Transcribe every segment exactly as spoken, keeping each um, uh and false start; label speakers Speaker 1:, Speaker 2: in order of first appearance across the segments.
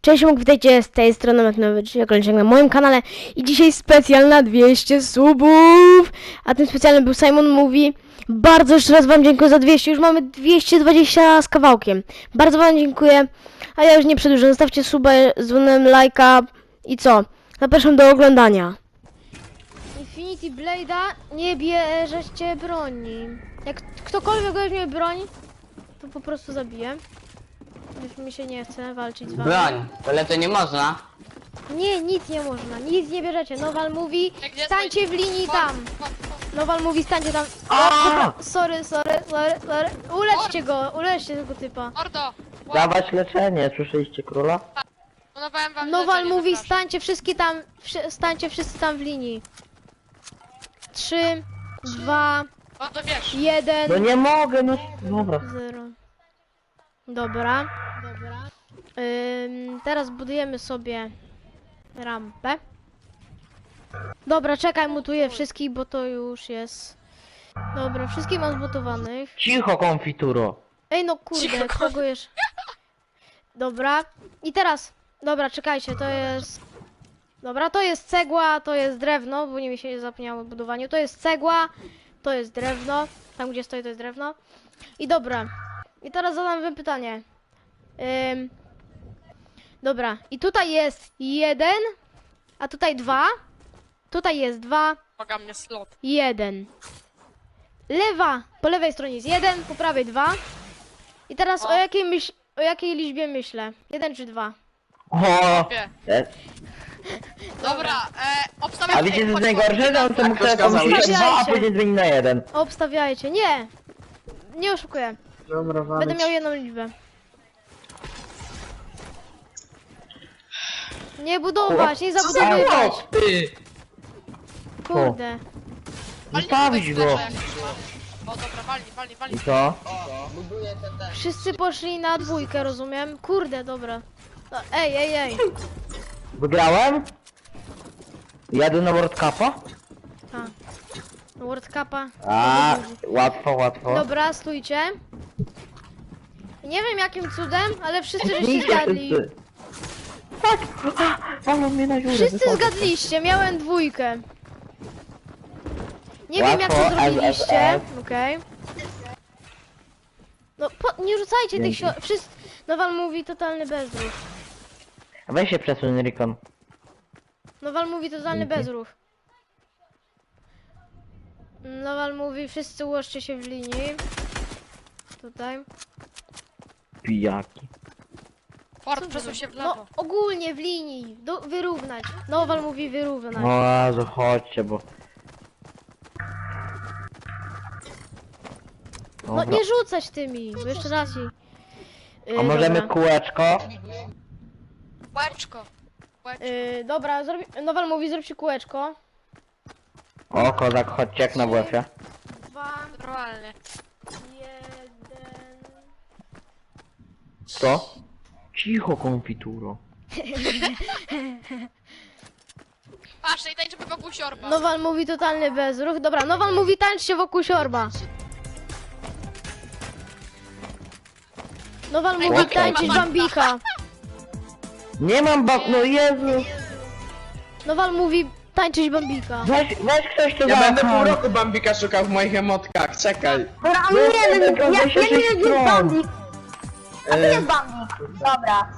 Speaker 1: Cześć, mógł witajcie z tej strony Metnowy, czyli oglądajcie na moim kanale i dzisiaj specjal na dwieście subów, a tym specjalnym był Simon Mówi. Bardzo jeszcze raz wam dziękuję za dwieście, już mamy dwieście dwadzieścia z kawałkiem. Bardzo wam dziękuję, a ja już nie przedłużę, zostawcie suba, dzwonem, lajka i co? Zapraszam do oglądania. Infinity Blade'a nie bierzecie broni. Jak ktokolwiek weźmie broń, to po prostu zabiję. Już mi się nie chce walczyć z wami.
Speaker 2: Broń, ale to nie można.
Speaker 1: Nie, nic nie można, nic nie bierzecie. Nowal mówi,
Speaker 3: Gdzie
Speaker 1: stańcie w linii
Speaker 3: Chodź,
Speaker 1: tam.
Speaker 3: chodź, chodź.
Speaker 1: Nowal mówi, stańcie tam. O,
Speaker 2: A!
Speaker 1: sorry, sorry, sorry, sorry. Uleczcie go, uleczcie tego typa.
Speaker 3: Mordo!
Speaker 4: Dawać leczenie, słyszeliście króla?
Speaker 3: Planowałem wam
Speaker 1: Nowal
Speaker 3: leczenie,
Speaker 1: mówi,
Speaker 3: zapraszam.
Speaker 1: stańcie wszyscy tam, wszy- stańcie wszyscy tam w linii. Trzy, dwa,
Speaker 3: O, to wiesz.
Speaker 1: jeden,
Speaker 4: No nie mogę, no dobra.
Speaker 1: zero. Dobra. Dobra. Ym, teraz budujemy sobie rampę. Dobra, czekaj, mutuję wszystkich, bo to już jest... Dobra, wszystkich mam zbudowanych.
Speaker 4: Cicho, konfituro.
Speaker 1: Ej, no kurde,
Speaker 3: Cicho,
Speaker 1: kogo jeszcze? Dobra, i teraz... Dobra, czekajcie, to jest... Dobra, to jest cegła, to jest drewno, bo nie mi się zapomniało o budowaniu. To jest cegła, to jest drewno. Tam, gdzie stoi, to jest drewno. I dobra, i teraz zadam wam pytanie. Ym... Dobra, i tutaj jest jeden, a tutaj dwa. Tutaj jest dwa,
Speaker 3: Poga mnie slot.
Speaker 1: jeden. Lewa, po lewej stronie jest jeden, po prawej dwa. I teraz o,
Speaker 3: O.
Speaker 1: jakiej myśl, o jakiej liczbie myślę? Jeden czy dwa?
Speaker 4: O,
Speaker 3: Wie.
Speaker 4: e,
Speaker 3: Dobra, e, obstawiam...
Speaker 4: a wiecie co jest
Speaker 3: chodź,
Speaker 4: najgorsze?
Speaker 3: chodź,
Speaker 4: Że on to mógł sobie
Speaker 2: rozkazałeś.
Speaker 4: pomyśleć dwa, a
Speaker 1: Stawiajcie.
Speaker 4: później zmieni na jeden.
Speaker 1: Obstawiajcie, nie! Nie oszukuję.
Speaker 2: Dobra,
Speaker 1: Będę miał jedną liczbę. Nie budować, nie zabudowywać.
Speaker 2: ty!
Speaker 1: Kurde.
Speaker 4: Zostawić go.
Speaker 3: O, dobra, walnij, walnij,
Speaker 4: I
Speaker 3: walnij.
Speaker 4: co?
Speaker 1: Wszyscy poszli na dwójkę, rozumiem? Kurde, dobra. No, ej, ej, ej.
Speaker 4: Wygrałem? Jadę na World Cupa?
Speaker 1: Ta. World Cupa.
Speaker 4: A, łatwo, łatwo.
Speaker 1: Dobra, stójcie. Nie wiem jakim cudem, ale wszyscy żeście
Speaker 4: Zniknij
Speaker 1: zgadli.
Speaker 4: wszyscy. Tak! Walą mnie na dziurę.
Speaker 1: Wszyscy
Speaker 4: wychodzę.
Speaker 1: zgadliście, miałem dwójkę. Nie wiem jak to
Speaker 4: Łatwo,
Speaker 1: zrobiliście.
Speaker 4: S S S.
Speaker 1: Okej. No, po, nie rzucajcie tych
Speaker 4: Dzięki.
Speaker 1: sio... Wszyscy... Nowal mówi totalny bezruch.
Speaker 4: Weź się przesuń, Rikon.
Speaker 1: Nowal mówi totalny
Speaker 4: Dzięki.
Speaker 1: bezruch. Nowal mówi, wszyscy ułożcie się w linii. Tutaj.
Speaker 4: Pijaki.
Speaker 3: Ford, przesuń się w
Speaker 1: No,
Speaker 3: lewo.
Speaker 1: ogólnie w linii. Do, wyrównać. Nowal mówi wyrównać.
Speaker 4: No Jezu, chodźcie, bo...
Speaker 1: No
Speaker 4: Dobra.
Speaker 1: nie rzucać tymi, bo jeszcze raz jej. Yy,
Speaker 4: A możemy
Speaker 1: dobra.
Speaker 4: kółeczko?
Speaker 3: Łeczko. Łeczko.
Speaker 1: Yy, dobra, zrobi... Nowal mówi, zróbcie kółeczko.
Speaker 4: O, kozak, chodźcie jak na W F-ie.
Speaker 1: Dwa,
Speaker 3: Normalnie.
Speaker 1: jeden...
Speaker 4: Co? Cicho, konfituro.
Speaker 3: Patrz, i tańczymy wokół siorba.
Speaker 1: Nowal mówi totalny bezruch. Dobra, Nowal mówi tańczcie wokół siorba. Nowal mówi
Speaker 4: Okej.
Speaker 1: tańczyć bambika.
Speaker 4: Nie mam bab... No Jezu!
Speaker 1: Nowal mówi tańczyć bambika.
Speaker 4: Weź, weź ktoś to
Speaker 2: Ja będę
Speaker 4: zapchaj.
Speaker 2: pół roku Bambika szukał w moich emotkach, czekaj.
Speaker 5: Dobra,
Speaker 4: No,
Speaker 5: nie wiem,
Speaker 4: tylko
Speaker 5: ja, ja
Speaker 4: weź się
Speaker 5: nie wiem gdzie jest
Speaker 4: stron.
Speaker 5: Bambik. A tu
Speaker 2: E,
Speaker 5: jest Bambik. Dobra.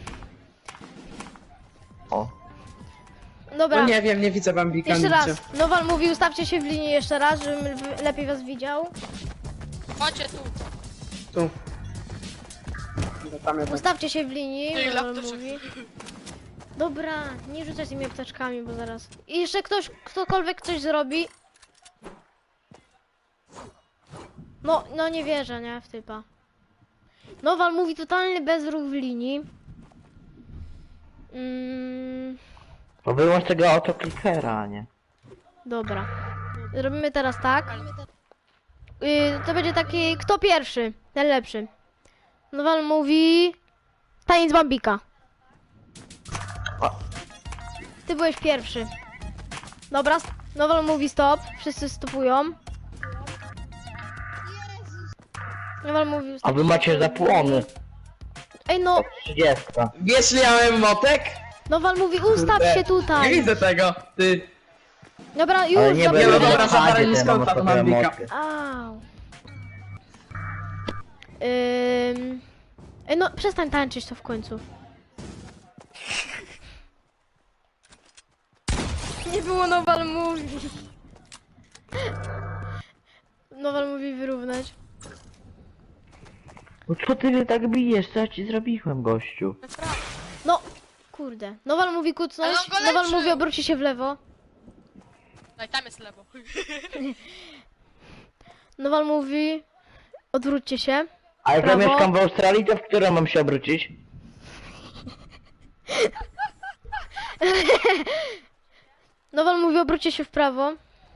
Speaker 4: O.
Speaker 1: Dobra,
Speaker 2: no nie wiem, nie widzę Bambika
Speaker 1: jeszcze
Speaker 2: nigdzie.
Speaker 1: raz. Nowal mówi ustawcie się w linii jeszcze raz, żebym w- lepiej was widział.
Speaker 3: Chodźcie tu.
Speaker 2: Tu. No, tam jest.
Speaker 1: Ustawcie się w linii,
Speaker 3: Ty,
Speaker 1: Nowal
Speaker 3: laptop.
Speaker 1: mówi. Dobra, nie rzucaj tymi apteczkami, bo zaraz... I jeszcze ktoś, ktokolwiek coś zrobi... No, no nie wierzę, nie? W typa. Nowal mówi totalny bezruch w linii. Mm,
Speaker 4: To wyłącz tego autoklikera, nie?
Speaker 1: dobra. Robimy teraz tak. Yy, to będzie taki... Kto pierwszy? Ten lepszy. Nowal mówi... Taniec Bambika. Ty byłeś pierwszy. Dobra, st- Nowal mówi stop. Wszyscy stopują. Nowal mówi
Speaker 4: A wy macie zapłony.
Speaker 1: Ej no,
Speaker 4: trzydziestka.
Speaker 2: Wiesz, ile ja miałem motek?
Speaker 1: Nowal mówi ustaw
Speaker 2: Kurde,
Speaker 1: się
Speaker 2: Nie
Speaker 1: tutaj.
Speaker 2: widzę tego, ty.
Speaker 1: Dobra,
Speaker 4: Ale
Speaker 1: już,
Speaker 4: nie
Speaker 1: dobra.
Speaker 2: Nie, no
Speaker 4: będę
Speaker 2: dobra,
Speaker 4: na
Speaker 2: zabrałem
Speaker 4: padzie,
Speaker 2: mi
Speaker 4: to
Speaker 2: skąd
Speaker 4: mam
Speaker 2: ta
Speaker 4: sobie
Speaker 2: Bambika.
Speaker 4: emotkę.
Speaker 1: Au. Ym... Ej no, przestań tańczyć to w końcu. Nie było Nowal mówi. Nowal mówi wyrównać.
Speaker 4: No co ty mnie tak bijesz? Co ja ci zrobiłem, gościu?
Speaker 3: Naprawdę.
Speaker 1: No, kurde. Nowal mówi kucnąć,
Speaker 3: Ale on go
Speaker 1: Nowal
Speaker 3: leczy.
Speaker 1: mówi obróci się w lewo.
Speaker 3: No i tam jest lewo.
Speaker 1: Nowal mówi odwróćcie się.
Speaker 4: A jak
Speaker 1: Prawo.
Speaker 4: ja mieszkam w Australii, to w którą mam się obrócić?
Speaker 1: Nowal mówi obróćcie się w prawo.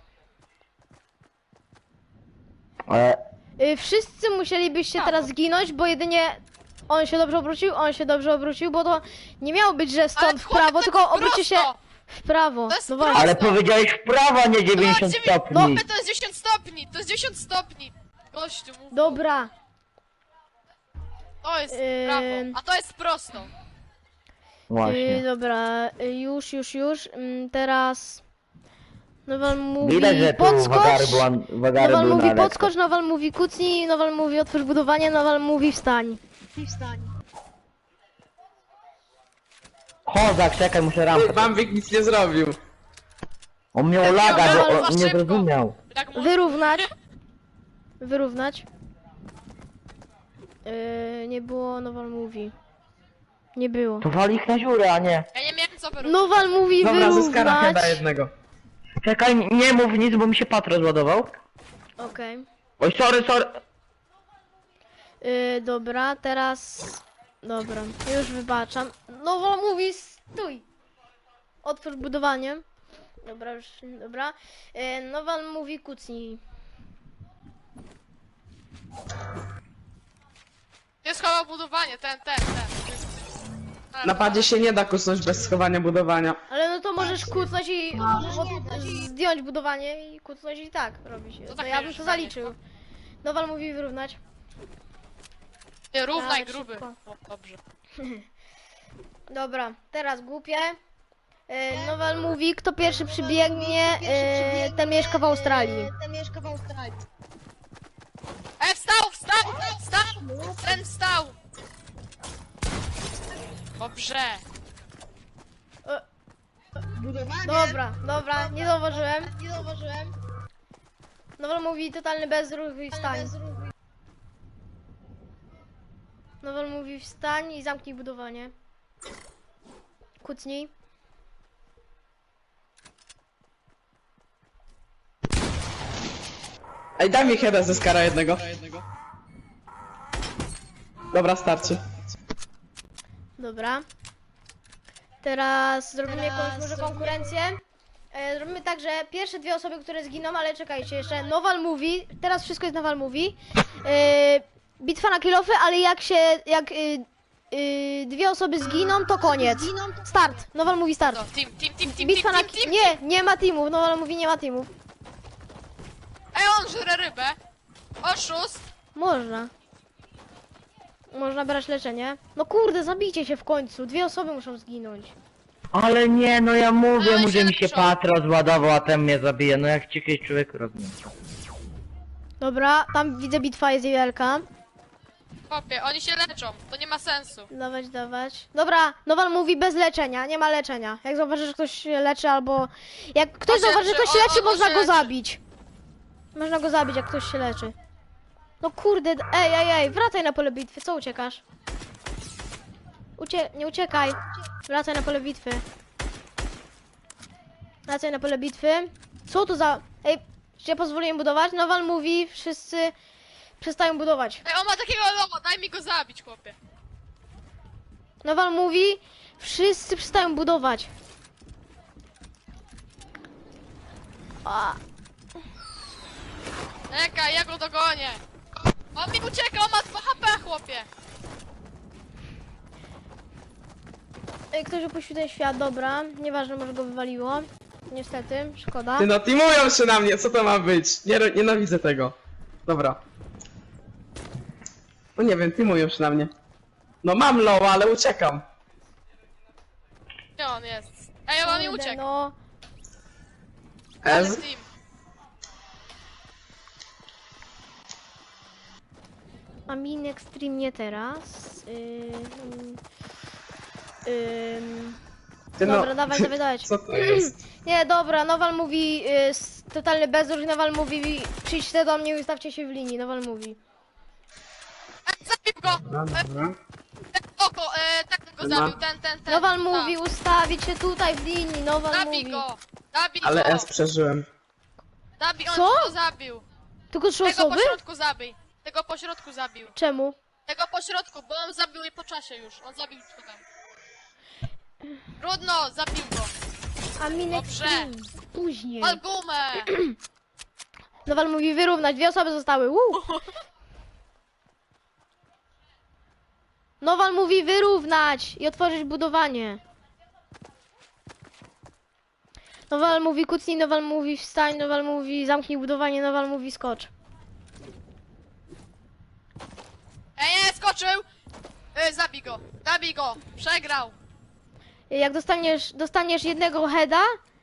Speaker 4: Ale...
Speaker 1: Y, wszyscy musielibyście teraz zginąć, bo jedynie on się dobrze obrócił, on się dobrze obrócił, bo to nie miało być, że stąd
Speaker 3: Ale
Speaker 1: w
Speaker 3: chłopie,
Speaker 1: prawo,
Speaker 3: to
Speaker 1: tylko
Speaker 3: jest
Speaker 1: obróćcie się
Speaker 3: prosto.
Speaker 1: w prawo.
Speaker 3: To jest
Speaker 1: No
Speaker 3: prosto.
Speaker 1: właśnie.
Speaker 4: Ale powiedziałeś w prawo, a nie dziewięćdziesiąt
Speaker 3: No,
Speaker 4: stopni.
Speaker 3: Chłopie, to jest dziewięćdziesiąt stopni, to jest dziewięćdziesiąt stopni. Gościu, mów.
Speaker 1: Dobra.
Speaker 3: To jest
Speaker 1: Ym.
Speaker 3: prawo, a to jest prosto.
Speaker 1: Y,
Speaker 4: Właśnie.
Speaker 1: dobra, y, już, już, już. Ym, teraz Nowal mówi
Speaker 4: Widać, że tu
Speaker 1: podskocz.
Speaker 4: wagary, była, wagary
Speaker 1: Nowal
Speaker 4: były
Speaker 1: mówi
Speaker 4: na lekko.
Speaker 1: podskocz, Nowal mówi kucnij, Nowal mówi otwórz budowanie, Nowal mówi wstań.
Speaker 4: Kozak, czekaj, muszę rampę.
Speaker 2: Bambik nic nie zrobił.
Speaker 4: On miał laga,
Speaker 3: Nowal,
Speaker 4: bo
Speaker 3: za
Speaker 4: on nie
Speaker 3: szybko.
Speaker 4: zrozumiał.
Speaker 3: Jak mu...
Speaker 1: Wyrównać. Wyrównać. Yy, nie było, Nowal mówi. Nie było.
Speaker 4: To wali ich na dziurę, a nie.
Speaker 3: Ja nie miałem co wyrównać.
Speaker 1: Nowal mówi
Speaker 2: Dobra, zyskara
Speaker 1: wyrównać.
Speaker 2: chyba jednego.
Speaker 4: Czekaj, nie mów nic, bo mi się pat rozładował.
Speaker 1: Okej.
Speaker 4: Oj, sorry, sorry.
Speaker 1: Yy, dobra, teraz... Dobra, już wybaczam. Nowal mówi stój. Otwórz budowanie. Dobra, już, dobra. Yy, Nowal mówi kucnij.
Speaker 3: Nie schował budowanie, ten, ten, ten. Ale
Speaker 2: Na padzie się nie da kusnąć bez schowania budowania.
Speaker 1: Ale no to możesz kucnąć i od, zdjąć budowanie i kucnąć i tak robić. To,
Speaker 3: tak
Speaker 1: ja bym
Speaker 3: już
Speaker 1: to
Speaker 3: zdanie,
Speaker 1: zaliczył. Nowal mówi wyrównać.
Speaker 3: Nie, równaj
Speaker 1: Ale
Speaker 3: gruby.
Speaker 1: szybko.
Speaker 3: O, dobrze.
Speaker 1: Dobra, teraz głupie. E, Nowal mówi, kto pierwszy przybiegnie, e, ten mieszka w Australii.
Speaker 3: E, wstał, wstał, wstał! Ten wstał! Dobrze.
Speaker 1: Dobra, dobra, nie zauważyłem. Nie zauważyłem. Nowal mówi totalny bezruch i wstań. Nowal mówi wstań i zamknij budowanie. Kucnij.
Speaker 2: Ej, daj mi heada ze skara jednego. Dobra, starczy.
Speaker 1: Dobra. Teraz zrobimy jakąś może konkurencję. E, zrobimy tak, że pierwsze dwie osoby, które zginą, ale czekajcie, jeszcze Nowal mówi, teraz wszystko jest Nowal mówi. E, bitwa na kilofy, ale jak się, jak y, y, dwie osoby zginą, to koniec. Start. Nowal mówi start.
Speaker 3: No, team, team, team, team,
Speaker 1: Bitwa
Speaker 3: team,
Speaker 1: na...
Speaker 3: team, team.
Speaker 1: Nie, nie ma teamów. Nowal mówi nie ma teamów.
Speaker 3: Ej, on żre rybę. Oszust.
Speaker 1: Można. Można brać leczenie. No kurde, zabijcie się w końcu. Dwie osoby muszą zginąć.
Speaker 4: Ale nie, no ja mówię
Speaker 3: Ale
Speaker 4: mu,
Speaker 3: się
Speaker 4: że mi się
Speaker 3: leczą.
Speaker 4: pat rozładował, a ten mnie zabije. No jak ci kiedyś człowiek rozumie.
Speaker 1: Dobra, tam widzę bitwa jest wielka.
Speaker 3: Chłopie, oni się leczą. To nie ma sensu.
Speaker 1: Dawać, dawać. Dobra, Nowal mówi bez leczenia, nie ma leczenia. Jak zauważy, że ktoś się leczy albo... Jak ktoś
Speaker 3: On się
Speaker 1: zauważy, że
Speaker 3: leczy,
Speaker 1: ktoś się
Speaker 3: on-
Speaker 1: leczy,
Speaker 3: on- on
Speaker 1: można
Speaker 3: się
Speaker 1: go
Speaker 3: leczy.
Speaker 1: zabić. Można go zabić, jak ktoś się leczy. No kurde, d- ej, ej, ej, wracaj na pole bitwy, co uciekasz? Ucie... nie uciekaj. Wracaj na pole bitwy. Wracaj na pole bitwy. Co to za... Ej, czy ja pozwoliłem budować? Nowal mówi, wszyscy przestają budować.
Speaker 3: Ej, on ma takiego logo, daj mi go zabić, chłopie.
Speaker 1: Nowal mówi, wszyscy przestają budować. A,
Speaker 3: Czekaj, ja go dogonię. On mi ucieka, on ma dwa H P, chłopie.
Speaker 1: ej, ktoś opuścił ten świat, dobra. Nieważne, może go wywaliło. Niestety, szkoda.
Speaker 2: Ty no, teamują się na mnie, co to ma być? Nie, nienawidzę tego. Dobra. No nie wiem, teamują się na mnie. No mam low, ale uciekam.
Speaker 3: Gdzie on jest? Ej, on mi
Speaker 1: Kurde,
Speaker 3: uciekł.
Speaker 1: no.
Speaker 3: Ale
Speaker 2: Ez?
Speaker 3: team.
Speaker 1: A min extreme nie teraz. Ym, ym,
Speaker 2: Ty no,
Speaker 1: dobra, dawaj, dawaj, dawaj.
Speaker 2: Co to jest?
Speaker 1: Nie, dobra, Nowal mówi, y, s- totalny bezruch, Nowal mówi, przyjdźcie do mnie i ustawcie się w linii, Nowal mówi.
Speaker 3: Ej, zabił go!
Speaker 2: Dobra, dobra.
Speaker 3: Ten oko, e, tak go
Speaker 2: Ma-
Speaker 3: zabił, ten, ten, ten.
Speaker 1: Nowal
Speaker 3: tak.
Speaker 1: mówi, ustawić się tutaj w linii, Nowal
Speaker 3: Zabij
Speaker 1: mówi.
Speaker 3: go! Zabij
Speaker 2: Ale
Speaker 3: go!
Speaker 2: S przeżyłem.
Speaker 3: Zabij, on
Speaker 1: Co?
Speaker 3: go zabił.
Speaker 1: Tylko trzy
Speaker 3: Tego
Speaker 1: osoby?
Speaker 3: po środku zabij. Tego po środku zabił.
Speaker 1: Czemu?
Speaker 3: Tego po środku, bo on zabił je po czasie już. On zabił go tam. Trudno, zabił go.
Speaker 1: A min
Speaker 3: Dobrze.
Speaker 1: extreme, później.
Speaker 3: Pal gumę!
Speaker 1: Nowal mówi wyrównać, dwie osoby zostały, Woo! Nowal mówi wyrównać i otworzyć budowanie. Nowal mówi kucnij, Nowal mówi wstań, Nowal mówi zamknij budowanie, Nowal mówi skocz.
Speaker 3: Ej, nie, skoczył! E, zabij go, zabij go! Przegrał!
Speaker 1: Jak dostaniesz, dostaniesz jednego heada...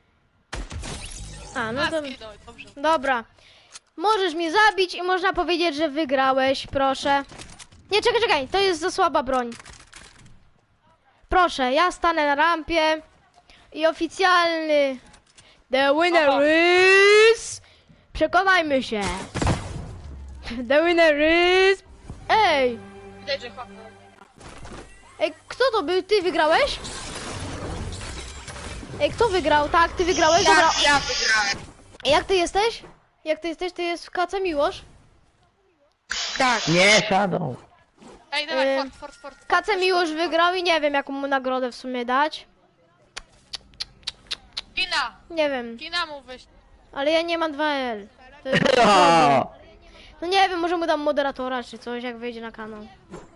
Speaker 1: A, no
Speaker 3: A,
Speaker 1: to...
Speaker 3: zginął, dobrze.
Speaker 1: Dobra. Możesz mnie zabić i można powiedzieć, że wygrałeś, proszę. Nie, czekaj, czekaj, to jest za słaba broń. Proszę, ja stanę na rampie i oficjalny The winner
Speaker 3: Oho.
Speaker 1: is... Przekonajmy się. The winner is... Ej,
Speaker 3: Widać, że chłop.
Speaker 1: ej, kto to był? Ty wygrałeś? Ej, kto wygrał? Tak, ty wygrałeś? Dobra.
Speaker 3: Ja wygrałem.
Speaker 1: Jak ty jesteś? Jak ty jesteś? Ty jest w Kace Miłosz?
Speaker 3: Tak.
Speaker 4: Nie, Shadow.
Speaker 3: Ej, dawaj,
Speaker 1: Y,
Speaker 3: fort, fort, fort.
Speaker 1: Kace Miłosz wygrał i nie wiem jaką mu nagrodę w sumie dać.
Speaker 3: Kina!
Speaker 1: Nie wiem,
Speaker 3: Kina mu wyjść.
Speaker 1: ale ja nie mam dwa L. To jest
Speaker 4: O!
Speaker 1: No nie wiem, może mu dam moderatora czy coś, jak wejdzie na kanał.